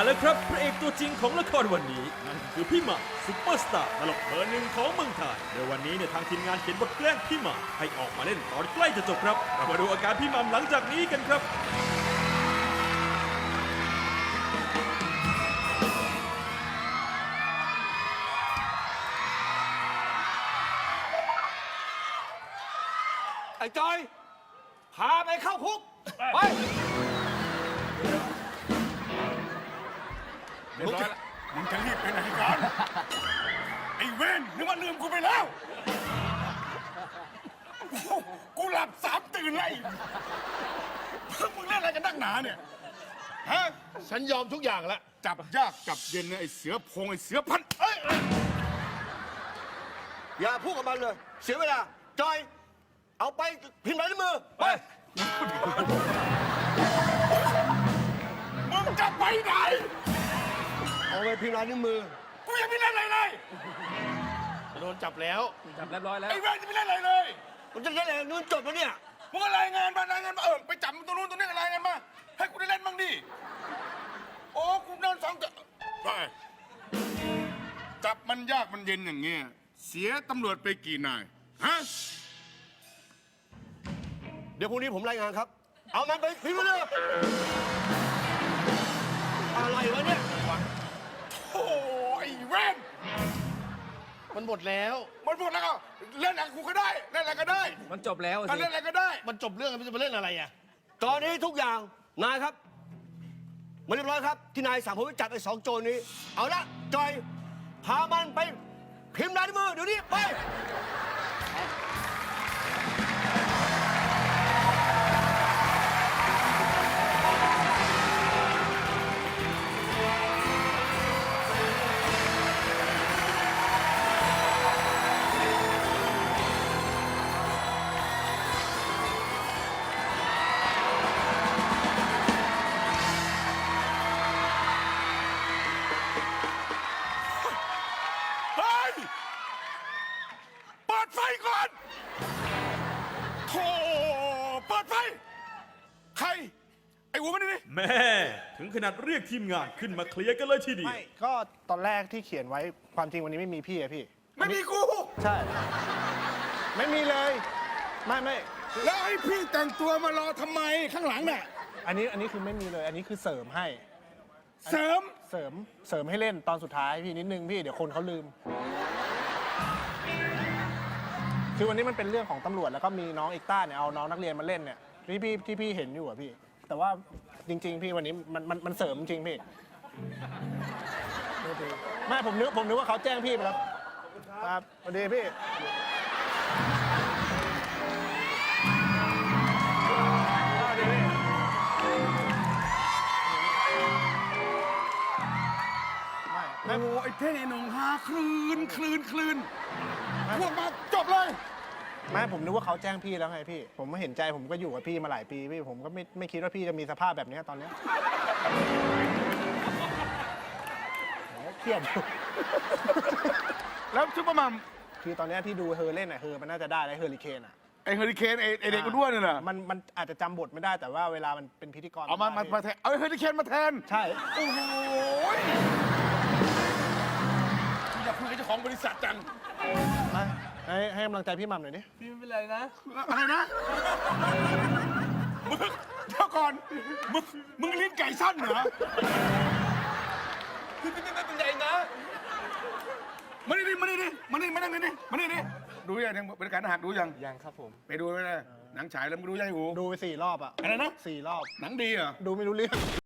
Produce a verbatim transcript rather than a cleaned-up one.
แล้วครับพระเอกตัวจริงของละครวันนี้นั่นคือพี่หม่ำซุปเปอร์สตาร์ตลกเบอร์หนึ่งของเมืองไทยโดยวันนี้เนี่ยทางทีมงานเขียนบทแกล้งพี่หม่ำให้ออกมาเล่นตอนใกล้จะจบครับเรามาดูอาการพี่หม่ำหลังจากนี้กันครับไอ้จอยพาไปเข้าคุกไปเรียบร้อยแล้วมึงจะรีบไปไหนกันไอ้เว้นนึกว่าลืมกูไปแล้วกูหลับสามตื่นเลยมึงเล่นอะไรกันนักหนาเนี่ยฮะฉันยอมทุกอย่างแล้วจับยากจับเย็นเนี่ยไอ้เสือพงไอ้เสือพันเอ้ยอย่าพูดกับมันเลย เสียเวลาจอย เอาไปพิมพ์ลายนิ้วมือไปมึงจะไปไหนเอาไปพิมพ์ลายนิ้วมือกูยังไม่เล่นอะไรเลยโดนจับแล้วจับเรียบร้อยแล้วไอ้เว้นจะไม่เล่นอะไรเลยมันจะเล่นอะไรนู้นจบแล้วเนี่ยมึงก็รายงานมารายงานมาเออไปจับตัวนู้นตัวนี้อะไรายงานมาให้กูได้เล่นบ้างดิโอ้กูนอนสองจะไปจับมันยากมันเย็นอย่างเงี้ยเสียตำรวจไปกี่นายฮะเดี๋ยวพรุ่งนี้ผมรายงานครับ เอามันไปพิมพ์เลยอะไรวะเนี่ยโอ้ยเว้นมันหมดแล้วมันพูดแล้วก็เล่นอะไรกูก็ได้เล่นอะไรก็ได้มันจบแล้วถ้าสิเล่นอะไรก็ได้มันจบเรื่องมันจะมาเล่นอะไรอ่ะตอนนี้ทุกอย่างนายครับมาเรียบร้อยครับที่นายสั่งผมไปจับไอ้สองโจรนี้ เอาละจอยพามันไปพิมพ์ลายนิ้วมือเดี๋ยวนี้ไปเฮ้ยเปิดไฟก่อนโธ่เปิดไฟใครไอ้หัวมันนี่แม่ถึงขนาดเรียกทีมงานขึ้นมาเคลียร์กันเลยทีเดียวไม่ก็ตอนแรกที่เขียนไว้ความจริงวันนี้ไม่มีพี่อะพี่ไม่มีกูใช่ ไม่มีเลย ไม่ไม่แล้วไอ้พี่แต่งตัวมารอทำไมข้างหลังเนี่ยอันนี้อันนี้คือไม่มีเลย อันนี้คือเสริมให้เสริมเสริมเสริมให้เล่นตอนสุดท้ายพี่นิดนึงพี่เดี๋ยวคนเขาลืม คือวันนี้มันเป็นเรื่องของตำรวจแล้วก็มีน้องเอกต้าเนี่ยเอาน้องนักเรียนมาเล่นเนี่ยที่พี่ที่พี่เห็นอยู่อะพี่ แต่ว่าจริง ๆ พี่วันนี้มันมันมันเสริมจริงพี่ไม่ผมนึกผมนึกว่าเขาแจ้งพี่ไปแล้วครับสวัสดีพี่โอ้โหไอ้เท่งไอ้หนงฮาคลืนคลืนคลืนพวกมาจบเลยไม่ผมนึกว่าเขาแจ้งพี่แล้วไงพี่ ผมไม่เห็นใจผมก็อยู่กับพี่มาหลายปีพี่ผมก็ไม่ไม่คิดว่าพี่จะมีสภาพแบบนี้ตอนเนี้ยโหเครียดอยู่แล้วซุปเปอร์มัมคือตอนเนี้ยที่ดูเฮอเล่นอ่ะเฮอมันน่าจะได้แล้วเฮอริเคนอ่ะไอ้เฮอริเคนไอ้ไอ้เด็กอ้วนเนี่ยนะมันมันอาจจะจำบทไม่ได้แต่ว่าเวลามันเป็นพิธีกรเอามามามาแทนเอาไอ้เฮอริเคนมาแทนใช่โอ้โหอยากคุยกับเจ้าของบริษัทจังไปให้ให้กำลังใจพี่หม่ำหน่อยดิพี่ไม่เป็นไรนะอะไรนะมึงเดี๋ยวก่อนมึงมึงลิ้นไก่สั้นเหรอพี่ไม่เป็นไรนะมานี่ดิมานี่ดิมานี่มานั่งนี่ดิมานี่ดิดูยังยังบริการอาหารดูยังยังครับผมไปดูไปเลยหนังฉายแล้วมึงดูยังไงหูดูไปสี่รอบอ่ะอะไรนะสี่รอบหนังดีเหรอดูไม่รู้เรื่อง